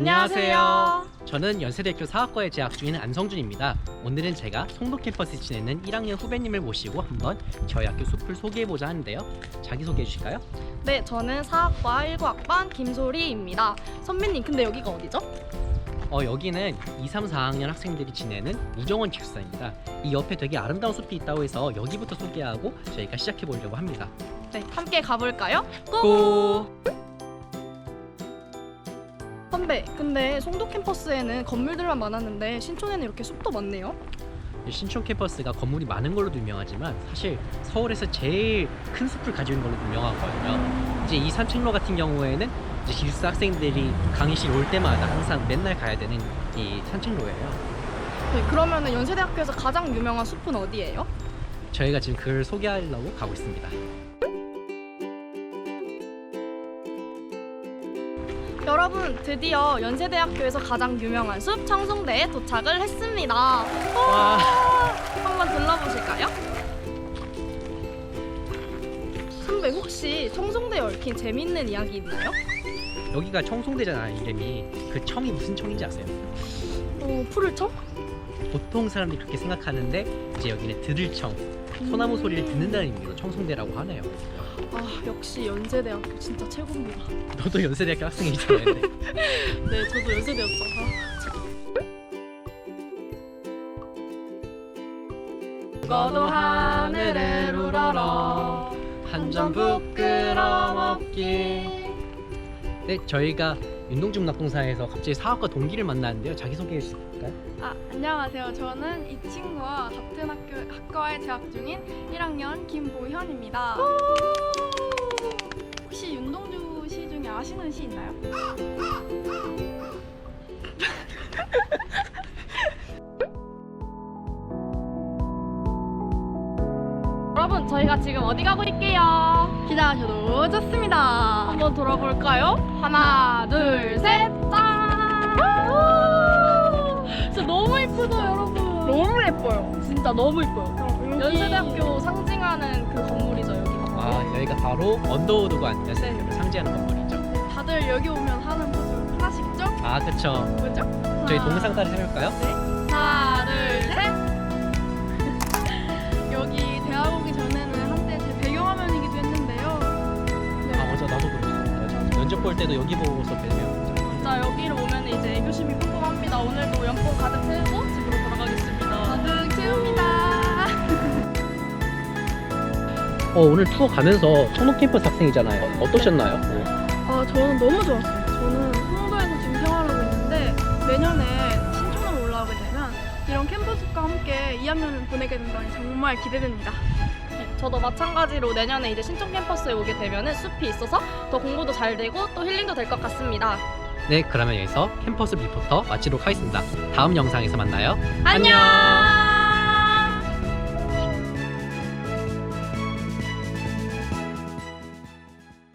안녕하세요. 저는 연세대학교 사학과에 재학 중인 안성준입니다. 오늘은 제가 송도 캠퍼스에 지내는 1학년 후배님을 모시고 한번 저희 학교 숲을 소개해보자 하는데요. 자기소개해 주실까요? 네, 저는 사학과 19학번 김소리입니다. 선배님, 근데 여기가 어디죠? 여기는 2, 3, 4학년 학생들이 지내는 우정원 기숙사입니다. 이 옆에 되게 아름다운 숲이 있다고 해서 여기부터 소개하고 저희가 시작해보려고 합니다. 네, 함께 가볼까요? 고! 선배, 근데 송도 캠퍼스에는 건물들만 많았는데 신촌에는 이렇게 숲도 많네요. 신촌 캠퍼스가 건물이 많은 걸로도 유명하지만 사실 서울에서 제일 큰 숲을 가지고 있는 걸로 유명하거든요. 이제 이 산책로 같은 경우에는 이제 기숙사 학생들이 강의실 올 때마다 항상 맨날 가야 되는 이 산책로예요. 네, 그러면은 연세대학교에서 가장 유명한 숲은 어디예요? 저희가 지금 그걸 소개하려고 가고 있습니다. 여러분, 드디어 연세대학교에서 가장 유명한 숲 청송대에 도착을 했습니다. 와. 한번 들러보실까요? 선배, 혹시 청송대에 얽힌 재밌는 이야기 있나요? 여기가 청송대잖아요. 이름이. 그 청이 무슨 청인지 아세요? 푸를청? 보통 사람들이 그렇게 생각하는데 이제 여기는 들을청, 소나무 소리를 듣는다는 의미로 청송대라고 하네요. 아, 역시 연세대학교 진짜 최고입니다. 너도 연세대학교 학생이잖아요. 네, 저도 연세대였죠. 죽어도 하늘을 우러러 한 점 부끄럼 없길. 네, 저희가 윤동중락동사에서 갑자기 사학과 동기를 만났는데요. 자기소개해 주실까요? 안녕하세요. 저는 이 친구와 같은 학과에 재학 중인 1학년 김보현입니다. 혹시 윤동주 시 중에 아시는 시 있나요? 여러분, 저희가 지금 어디 가고 있게요? 기대하셔도 좋습니다. 한번 돌아볼까요? 하나, 둘, 셋, 짠! 진짜 너무 예쁘죠, 여러분? 너무 예뻐요. 진짜 너무 예뻐요. 연세대학교 상징하는 그 건물이죠, 여기가. 여기가 바로 언더우드관 연세대학교를 상징하는 건물이죠. 다들 여기 오면 하는 포즈 하나씩죠? 그쵸. 그죠? 저희 동영상 따라 해볼까요? 하나, 둘, 셋. 여기 대학 오기 전에는 한때 제 배경화면이기도 했는데요. 맞아, 나도 그랬어. 면접 볼 때도 여기 보고서 뵈면. 진짜 여기로 오면 이제 애교심이 뿜뿜합니다. 오늘도 연봉 가득 채우고 집으로 돌아가겠습니다. 가득 채웁니다. 오늘 투어 가면서 청록 캠퍼스 학생이잖아요. 어떠셨나요? 저는 너무 좋았어요. 저는 송도에서 지금 생활하고 있는데 내년에 신촌으로 올라오게 되면 이런 캠퍼스과 함께 2학년을 보내게 된다니 정말 기대됩니다. 네, 저도 마찬가지로 내년에 이제 신촌 캠퍼스에 오게 되면 숲이 있어서 더 공부도 잘 되고 또 힐링도 될 것 같습니다. 네, 그러면 여기서 캠퍼스 리포터 마치도록 하겠습니다. 다음 영상에서 만나요. 안녕!